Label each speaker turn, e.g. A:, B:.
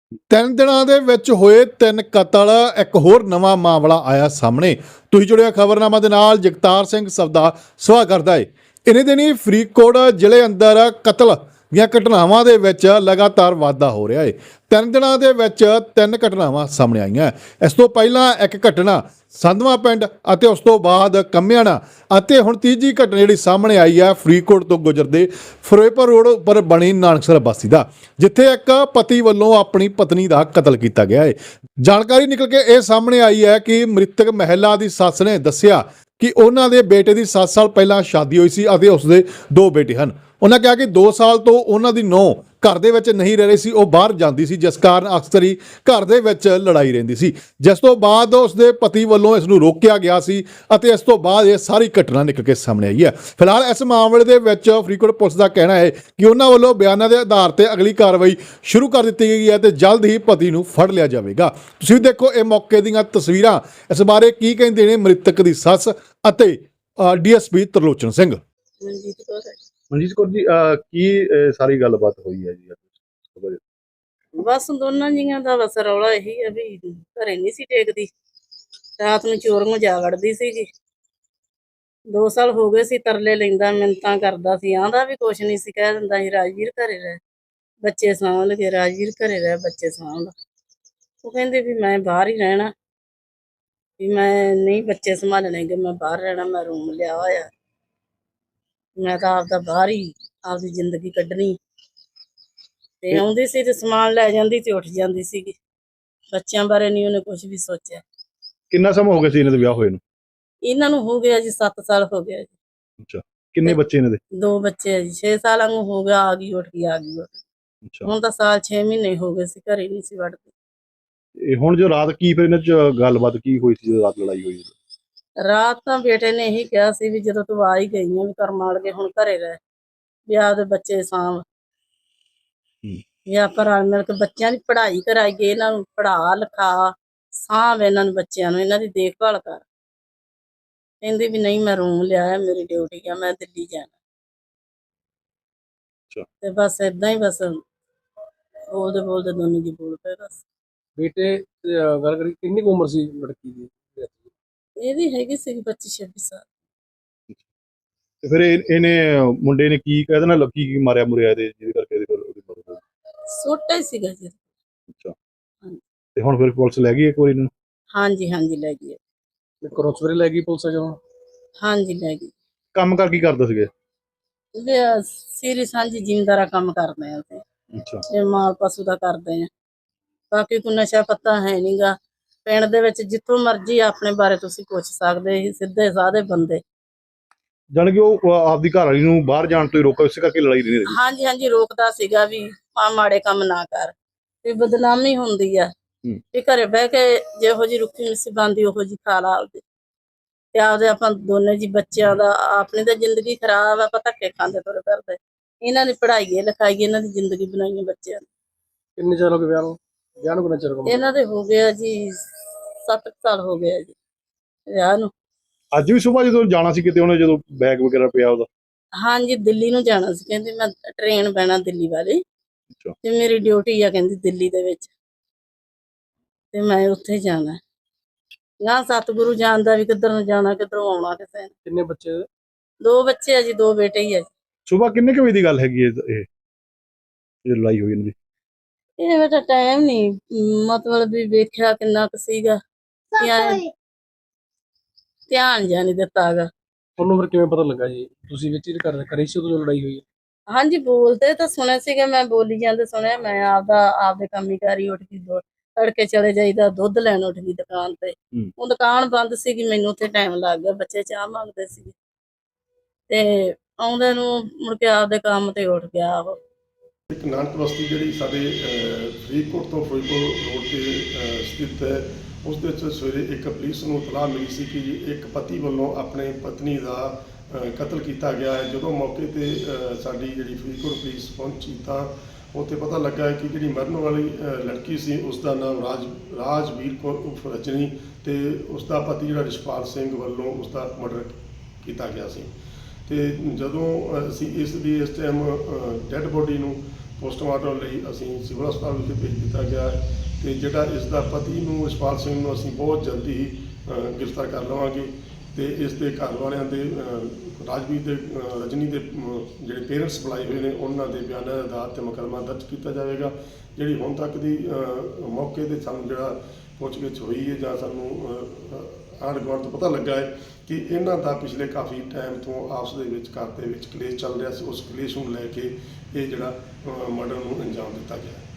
A: ਤਿੰਨ ਦਿਨਾਂ ਦੇ ਵਿੱਚ ਹੋਏ ਤਿੰਨ ਕਤਲ। ਇੱਕ ਹੋਰ ਨਵਾਂ ਮਾਮਲਾ ਆਇਆ ਸਾਹਮਣੇ। ਤੁਸੀਂ ਜੁੜਿਆ ਖਬਰਨਾਮਾ ਦੇ ਨਾਲ। ਜਗਤਾਰ ਸਿੰਘ ਸਬਦਾ ਸਵਾਗਤ ਕਰਦਾ ਹੈ। ਇਨੇ ਦਿਨੀ ਫਰੀਦਕੋਟ ਜ਼ਿਲ੍ਹੇ ਅੰਦਰ ਕਤਲ ਦੀਆਂ ਘਟਨਾਵਾਂ ਦੇ ਵਿੱਚ ਲਗਾਤਾਰ ਵਾਧਾ ਹੋ ਰਿਹਾ ਹੈ। ਤਿੰਨ ਦਿਨਾਂ ਦੇ ਵਿੱਚ ਤਿੰਨ ਘਟਨਾਵਾਂ ਸਾਹਮਣੇ ਆਈਆਂ। ਇਸ ਤੋਂ ਪਹਿਲਾਂ ਇੱਕ ਘਟਨਾ ਸੰਧਵਾ ਪਿੰਡ ਅਤੇ ਉਸ ਤੋਂ ਬਾਅਦ ਕੰਮਿਆਣਾ ਅਤੇ ਹੁਣ ਤੀਜੀ ਘਟਨਾ ਜਿਹੜੀ ਸਾਹਮਣੇ ਆਈ ਹੈ ਫਰੀਦਕੋਟ ਤੋਂ ਗੁਜਰਦੇ ਫਿਰੋਜ਼ਪੁਰ ਰੋਡ ਉੱਪਰ ਬਣੀ ਨਾਨਕਸਰ ਬਸਤੀ ਦਾ, ਜਿੱਥੇ ਇੱਕ ਪਤੀ ਵੱਲੋਂ ਆਪਣੀ ਪਤਨੀ ਦਾ ਕਤਲ ਕੀਤਾ ਗਿਆ ਹੈ। ਜਾਣਕਾਰੀ ਨਿਕਲ ਕੇ ਇਹ ਸਾਹਮਣੇ ਆਈ ਹੈ ਕਿ ਮ੍ਰਿਤਕ ਮਹਿਲਾ ਦੀ ਸੱਸ ਨੇ ਦੱਸਿਆ ਕਿ ਉਹਨਾਂ ਦੇ ਬੇਟੇ ਦੀ 7 ਸਾਲ ਪਹਿਲਾਂ ਸ਼ਾਦੀ ਹੋਈ ਸੀ ਅਤੇ ਉਸਦੇ 2 ਬੇਟੇ ਹਨ। ਉਹਨਾਂ ਕਿਹਾ ਕਿ 2 ਸਾਲ ਤੋਂ ਉਹਨਾਂ ਦੀ ਨੂੰਹ ਘਰ ਦੇ ਵਿੱਚ ਨਹੀਂ ਰਹਿ ਰਹੀ ਸੀ, ਉਹ ਬਾਹਰ ਜਾਂਦੀ ਸੀ, ਜਿਸ ਕਾਰਨ ਅਕਸਰ ਹੀ ਘਰ ਦੇ ਵਿੱਚ ਲੜਾਈ ਰਹਿੰਦੀ ਸੀ, ਜਿਸ ਤੋਂ ਬਾਅਦ ਉਸਦੇ ਪਤੀ ਵੱਲੋਂ ਇਸ ਨੂੰ ਰੋਕਿਆ ਗਿਆ ਸੀ ਅਤੇ ਇਸ ਤੋਂ ਬਾਅਦ ਇਹ ਸਾਰੀ ਘਟਨਾ ਨਿਕਲ ਕੇ ਸਾਹਮਣੇ ਆਈ ਹੈ। ਫਿਲਹਾਲ ਇਸ ਮਾਮਲੇ ਦੇ ਵਿੱਚ ਫਰੀਦਕੋਟ ਪੁਲਿਸ ਦਾ ਕਹਿਣਾ ਹੈ ਕਿ ਉਹਨਾਂ ਵੱਲੋਂ ਬਿਆਨਾਂ ਦੇ ਆਧਾਰ ਤੇ ਅਗਲੀ ਕਾਰਵਾਈ ਸ਼ੁਰੂ ਕਰ ਦਿੱਤੀ ਗਈ ਹੈ ਤੇ ਜਲਦ ਹੀ ਪਤੀ ਨੂੰ ਫੜ ਲਿਆ ਜਾਵੇਗਾ। ਤੁਸੀਂ ਵੀ ਦੇਖੋ ਇਹ ਮੌਕੇ ਦੀਆਂ ਤਸਵੀਰਾਂ। ਇਸ ਬਾਰੇ ਕੀ ਕਹਿੰਦੇ ਨੇ ਮ੍ਰਿਤਕ ਦੀ ਸੱਸ ਅਤੇ ਡੀਐਸਪੀ ਤਰਲੋਚਨ ਸਿੰਘ।
B: ਮਨਜੀਤ ਕੌਰ ਜੀ, ਕੀ ਸਾਰੀ ਗੱਲਬਾਤ ਹੋਈ ਹੈ ਜੀ?
C: ਬਸ ਦੋਨਾਂ ਜੀਆਂ ਦਾ ਬਸ ਰੌਲਾ ਇਹੀ ਹੈ ਵੀ ਘਰੇ ਨਹੀਂ ਸੀ ਟੇਕਦੀ, ਰਾਤ ਨੂੰ ਚੋਰੀਆਂ ਜਾ ਵੜਦੀ ਸੀਗੀ। 2 ਸਾਲ ਹੋ ਗਏ ਸੀ, ਤਰਲੇ ਲੈਂਦਾ, ਮਿੰਨਤਾਂ ਕਰਦਾ ਸੀ, ਆਂਦਾ ਵੀ ਕੁਛ ਨਹੀਂ ਸੀ, ਕਹਿ ਦਿੰਦਾ ਸੀ ਰਾਜਵੀਰ ਘਰੇ ਰਹਿ, ਬੱਚੇ ਸਾਂਭ ਲਗੇ, ਰਾਜਵੀਰ ਘਰੇ ਰਹਿ, ਬੱਚੇ ਸਾਂਭ। ਉਹ ਕਹਿੰਦੇ ਵੀ ਮੈਂ ਬਾਹਰ ਹੀ ਰਹਿਣਾ, ਵੀ ਮੈਂ ਨਹੀਂ ਬੱਚੇ ਸੰਭਾਲਣੇ ਗੇ, ਮੈਂ ਬਾਹਰ ਰਹਿਣਾ, ਮੈਂ ਰੂਮ ਲਿਆ ਹੋਇਆ, ਮੈਂ ਤਾਂ ਆਪਦਾ ਬਾਹਰ ਹੀ ਆਪਦੀ ਜ਼ਿੰਦਗੀ ਕੱਢਣੀ। ਤੇ ਆਉਂਦੀ ਸੀ ਤੇ ਸਮਾਨ ਲੈ ਜਾਂਦੀ ਤੇ ਉੱਠ ਜਾਂਦੀ ਸੀਗੀ। ਬੱਚਿਆਂ ਬਾਰੇ ਨਹੀਂ ਉਹਨੇ ਕੁਝ ਵੀ ਸੋਚਿਆ।
B: ਕਿੰਨਾ ਸਮਾਂ ਹੋ ਗਿਆ ਸੀ ਇਹਨਾਂ ਦੇ ਵਿਆਹ ਹੋਏ ਨੂੰ?
C: ਇਹਨਾਂ ਨੂੰ ਹੋ ਗਿਆ ਜੀ 7 ਸਾਲ ਹੋ ਗਿਆ ਜੀ।
B: ਅੱਛਾ, ਕਿੰਨੇ ਬੱਚੇ ਇਹਨਾਂ ਦੇ?
C: 2 ਬੱਚੇ ਆ ਜੀ। 6 ਸਾਲਾਂ ਨੂੰ ਹੋ ਗਿਆ, ਆ ਗਈ ਉੱਠ ਗਈ, ਆ ਗਈ ਉੱਠ ਗਈ।
B: ਅੱਛਾ,
C: ਹੁਣ ਤਾਂ ਸਾਲ 6 ਮਹੀਨੇ ਹੋ ਗਏ ਸੀ, ਘਰੇ ਨਹੀਂ ਸੀ ਵੜਦੀ।
B: ਇਹ ਹੁਣ ਜੋ ਰਾਤ ਕੀ ਫਿਰ ਇਹਨਾਂ ਚ ਗੱਲਬਾਤ ਕੀ ਹੋਈ ਸੀ ਜਦੋਂ ਰਾਤ ਲੜਾਈ ਹੋਈ?
C: ਰਾਤ ਤਾਂ ਬੇਟੇ ਨੇ ਇਹੀ ਕਿਹਾ ਸੀ ਵੀ ਜਦੋਂ ਤੂੰ ਆ ਹੀ ਗਈ ਆ ਵੀ ਕਰ ਮਾਰ ਕੇ ਹੁਣ ਘਰੇ ਰਹਿ, ਵੀ ਆਪਦੇ ਬੱਚੇ ਸਾਂਭ, ਵੀ ਆਪਾਂ ਰਲ ਮਿਲ ਕੇ ਬੱਚਿਆਂ ਦੀ ਪੜ੍ਹਾਈ ਕਰਾਈਏ, ਇਹਨਾਂ ਨੂੰ ਪੜ੍ਹਾ ਲਿਖਾ, ਸਾਂਭ ਇਹਨਾਂ ਨੂੰ, ਬੱਚਿਆਂ ਨੂੰ, ਇਹਨਾਂ ਦੀ ਦੇਖਭਾਲ ਕਰ। ਕਹਿੰਦੀ ਵੀ ਨਹੀਂ ਮੈਂ ਰੂਮ ਲਿਆ, ਮੇਰੀ ਡਿਊਟੀ ਆ, ਮੈਂ ਦਿੱਲੀ ਜਾਣਾ। ਤੇ ਬਸ ਏਦਾਂ ਹੀ ਬਸ ਬੋਲਦੇ ਬੋਲਦੇ ਦੋਨੋਂ ਜੀ ਬੋਲ ਪਏ ਬਸ।
D: ਬੇਟੇ ਗੱਲ ਕਰੀ ਕਿੰਨੀ ਕੁ ਉਮਰ ਸੀ ਲੜਕੀ ਦੀ?
C: ਇਹਦੀ ਹੈਗੀ ਸੀ 25-26 ਸਾਲ।
B: ਤੇ ਫਿਰ ਇਹਨੇ ਮੁੰਡੇ ਨੇ ਕੀ ਕਹਿ ਦੇਣਾ, ਲੱਕੀ ਕੀ ਮਾਰਿਆ ਮੁਰਿਆ ਇਹਦੇ ਜਿਹਦੇ ਕਰਕੇ ਇਹਦੀ ਮੌਤ ਹੋ ਗਈ?
C: ਛੋਟਾ ਹੀ ਸੀਗਾ ਜੀ।
B: ਅੱਛਾ, ਤੇ ਹੁਣ ਫਿਰ ਪੁਲਿਸ ਲੈ ਗਈ ਇੱਕ ਵਾਰੀ ਇਹਨੂੰ?
C: ਹਾਂਜੀ ਹਾਂਜੀ ਲੈ ਗਈ।
D: ਘਰੋਂ ਸਵੇਰੇ ਲੈ ਗਈ ਪੁਲਿਸ ਜਦੋਂ?
C: ਹਾਂਜੀ ਲੈ ਗਈ।
B: ਕੰਮ ਕਰ ਕੀ ਕਰਦੇ ਸੀਗੇ?
C: ਸੀਰੀ ਸਾਂਝੀ ਜ਼ਿਮੀਂਦਾਰਾ ਕੰਮ ਕਰਦੇ ਆ ਅਸੀਂ।
B: ਅੱਛਾ,
C: ਤੇ ਮਾਲ ਪਸ਼ੂ ਦਾ ਕਰਦੇ ਆ। ਬਾਕੀ ਕੋਈ ਨਸ਼ਾ ਪੱਤਾ ਹੈ ਨਹੀਂਗਾ ਪਿੰਡ ਦੇ ਵਿੱਚ। ਜਿੱਥੋਂ ਮਰਜ਼ੀ ਆਪਣੇ ਬਾਰੇ ਤੁਸੀਂ ਪੁੱਛ ਸਕਦੇ ਸੀ, ਸਿੱਧੇ ਸਾਦੇ ਬੰਦੇ।
B: ਜਾਣੀ ਕਿ ਉਹ ਆਪਦੀ ਘਰ ਵਾਲੀ ਨੂੰ ਬਾਹਰ ਜਾਣ ਤੋਂ ਹੀ ਰੋਕਿਆ, ਇਸੇ ਕਰਕੇ ਲੜਾਈ ਨਹੀਂ ਰਹੀ?
C: ਹਾਂਜੀ ਹਾਂਜੀ ਰੋਕਦਾ ਸੀਗਾ ਵੀ ਆ ਮਾੜੇ ਕੰਮ ਨਾ ਕਰ, ਵੀ ਬਦਨਾਮੀ ਹੁੰਦੀ ਆ, ਵੀ ਘਰੇ ਬਹਿ ਕੇ ਜਿਹੋ ਜੀ ਰੁੱਖੀ ਮਿੱਸੀ ਬਣਦੀ ਉਹੋ ਜੀ ਖਾ ਲਾ ਆਪਦੇ, ਤੇ ਆਪਦੇ ਆਪਾਂ ਦੋਨੇ ਜੀ ਬੱਚਿਆਂ ਦਾ। ਆਪਣੀ ਤਾਂ ਜ਼ਿੰਦਗੀ ਖਰਾਬ ਆ, ਆਪਾਂ ਧੱਕੇ ਖਾਂਦੇ ਤੁਰੇ ਫਿਰਦੇ। ਇਹਨਾਂ ਦੀ ਪੜ੍ਹਾਈਏ ਲਿਖਾਈਏ, ਇਹਨਾਂ ਦੀ ਜ਼ਿੰਦਗੀ ਬਣਾਈਏ ਬੱਚਿਆਂ ਦੀ।
D: ਕਿੰਨੇ ਚਿਰ ਹੋ ਗਏ ਵਿਆਹ ਨੂੰ? ਵਿਆਹ ਨੂੰ ਕਿੰਨਾ ਚਿਰ ਹੋ ਗਿਆ?
C: ਇਹਨਾਂ ਦੇ ਹੋ ਗਿਆ ਜੀ 7 ਸਾਲ ਹੋ ਗਿਆ ਜੀ ਵਿਆਹ ਨੂੰ।
B: ਅੱਜ ਵੀ ਸੁਬਾਹ ਜਦੋਂ ਜਾਣਾ ਸੀ ਕਿਤੇ, ਉਹਨੇ ਜਦੋਂ ਬੈਗ ਵਗੈਰਾ ਪਿਆ ਉਹਦਾ?
C: ਹਾਂਜੀ ਦਿੱਲੀ ਨੂੰ ਜਾਣਾ ਸੀ, ਕਹਿੰਦੀ ਮੈਂ ਟ੍ਰੇਨ ਬਹਿਣਾ ਦਿੱਲੀ ਵਾਲੀ, ਤੇ ਮੇਰੀ ਡਿਊਟੀ ਆ ਕਹਿੰਦੀ ਦਿੱਲੀ ਦੇ ਵਿੱਚ, ਤੇ ਮੈਂ ਉੱਥੇ ਜਾਣਾ। ਨਾ ਸਤਿਗੁਰੂ ਜਾਣਦਾ ਵੀ ਕਿੱਧਰ ਨੂੰ ਜਾਣਾ, ਕਿੱਧਰੋਂ ਆਉਣਾ ਕਿਸੇ ਨੇ।
D: ਕਿੰਨੇ ਬੱਚੇ?
C: 2 ਬੱਚੇ ਆ ਜੀ, 2 ਬੇਟੇ ਹੀ ਆ ਜੀ।
B: ਸੁਬਾਹ ਕਿੰਨੇ ਕੁ ਵਜੇ ਦੀ ਗੱਲ ਹੈਗੀ ਇਹ ਲੜਾਈ ਹੋਈ ਇਹਨਾਂ ਦੀ?
C: ਇਹ ਬੇਟਾ ਟਾਈਮ ਨਹੀਂ ਮਤਲਬ ਵੀ ਵੇਖਿਆ ਕਿੰਨਾ ਕੁ ਸੀਗਾ, ਧਿਆਨ ਜਿਹਾ ਨਹੀਂ ਦਿੱਤਾ ਹੈਗਾ।
D: ਤੁਹਾਨੂੰ ਫਿਰ ਕਿਵੇਂ ਪਤਾ ਲੱਗਾ ਜੀ? ਤੁਸੀਂ ਵਿੱਚ ਹੀ ਕਰੀ ਸੀ ਉਦੋਂ ਲੜਾਈ ਹੋਈ?
C: ਹਾਂਜੀ ਬੋਲਦੇ ਤਾਂ ਸੁਣੇ ਸੀਗੇ, ਮੈਂ ਬੋਲੀ ਜਾਂਦੇ ਸੁਣਿਆ। ਮੈਂ ਆਪਦੇ ਕੰਮੀ ਕਾਰੀ ਉੱਠ ਗਈ, ਤੜਕੇ ਚਲੇ ਜਾਈਦਾ, ਦੁੱਧ ਲੈਣ ਉੱਠ ਗਈ ਦੁਕਾਨ ਤੇ। ਉਹ ਦੁਕਾਨ ਬੰਦ ਸੀਗੀ, ਮੈਨੂੰ ਉੱਥੇ ਟਾਈਮ ਲੱਗ ਗਿਆ, ਬੱਚੇ ਚਾਹ ਮੰਗਦੇ ਸੀਗੇ, ਤੇ ਆਉਂਦੇ ਨੂੰ ਮੁੜ ਕੇ ਆਪਦੇ ਕੰਮ ਤੇ ਉੱਠ ਗਿਆ। ਉਹ
E: ਇੱਕ ਨਾਨਕ ਬਸਤੀ ਜਿਹੜੀ ਸਾਡੇ ਫਰੀਦਕੋਟ ਤੋਂ ਫਿਰੋਜ਼ਪੁਰ ਰੋਡ ਤੇ ਸਥਿਤ ਹੈ, ਉਸ ਦੇ ਵਿੱਚ ਸਵੇਰੇ ਇੱਕ ਪੁਲਿਸ ਨੂੰ ਇਤਲਾਹ ਮਿਲੀ ਸੀ ਕਿ ਇੱਕ ਪਤੀ ਵੱਲੋਂ ਆਪਣੇ ਪਤਨੀ ਦਾ ਕਤਲ ਕੀਤਾ ਗਿਆ ਹੈ। ਜਦੋਂ ਮੌਕੇ ਤੇ ਸਾਡੀ ਜਿਹੜੀ ਫਰੀਦਕੋਟ ਪੁਲਿਸ ਪਹੁੰਚੀ ਤਾਂ ਉੱਥੇ ਪਤਾ ਲੱਗਾ ਕਿ ਜਿਹੜੀ ਮਰਨ ਵਾਲੀ ਲੜਕੀ ਸੀ ਉਸ ਦਾ ਨਾਮ ਰਾਜਵੀਰ ਕੌਰ ਉਰਫ ਰਜਨੀ, ਤੇ ਉਸ ਦਾ ਪਤੀ ਜਿਹੜਾ ਰਿਸ਼ਪਾਲ ਸਿੰਘ ਵੱਲੋਂ ਉਸ ਦਾ ਮਰਡਰ ਕੀਤਾ ਗਿਆ ਸੀ। ਤੇ ਜਦੋਂ ਅਸੀਂ ਇਸ ਟਾਈਮ ਡੈੱਡ ਬੋਡੀ ਨੂੰ ਪੋਸਟਮਾਰਟਮ ਲਈ ਅਸੀਂ ਸਿਵਲ ਹਸਪਤਾਲ ਵਿਖੇ ਭੇਜ ਦਿੱਤਾ ਗਿਆ ਹੈ ਤੇ ਜਿਹੜਾ ਇਸ ਦਾ ਪਤੀ ਨੂੰ ਇਸ਼ਪਾਲ ਸਿੰਘ ਨੂੰ ਅਸੀਂ ਬਹੁਤ ਜਲਦੀ ਹੀ ਗ੍ਰਿਫਤਾਰ ਕਰ ਲਵਾਂਗੇ ਤੇ ਇਸ ਦੇ ਘਰ ਵਾਲਿਆਂ ਦੇ ਰਾਜਵੀਰ ਦੇ ਰਜਨੀ ਦੇ ਜਿਹੜੇ ਪੇਰੈਂਟਸ ਬੁਲਾਏ ਹੋਏ ਨੇ ਉਹਨਾਂ ਦੇ ਬਿਆਨਾਂ ਦੇ ਆਧਾਰ ਤੇ ਮੁਕੱਦਮਾ ਦਰਜ ਕੀਤਾ ਜਾਵੇਗਾ। ਜਿਹੜੀ ਹੁਣ ਤੱਕ ਦੀ ਮੌਕੇ ਤੇ ਸਾਨੂੰ ਜਿਹੜਾ ਪੁੱਛਗਿੱਛ ਹੋਈ ਹੈ ਜਾਂ ਸਾਨੂੰ ਆਂਢ ਗੁਆਂਢ ਤੋਂ ਪਤਾ ਲੱਗਾ ਹੈ ਕਿ ਇਹਨਾਂ ਦਾ ਪਿਛਲੇ ਕਾਫੀ ਟਾਈਮ ਤੋਂ ਆਪਸ ਦੇ ਵਿੱਚ ਘਰ ਦੇ ਵਿੱਚ ਕਲੇਸ਼ ਚੱਲ ਰਿਹਾ ਸੀ। ਉਸ ਕਲੇਸ਼ ਨੂੰ ਲੈ ਕੇ ਇਹ ਜਿਹੜਾ ਮਰਡਰ ਨੂੰ ਅੰਜਾਮ ਦਿੱਤਾ ਗਿਆ।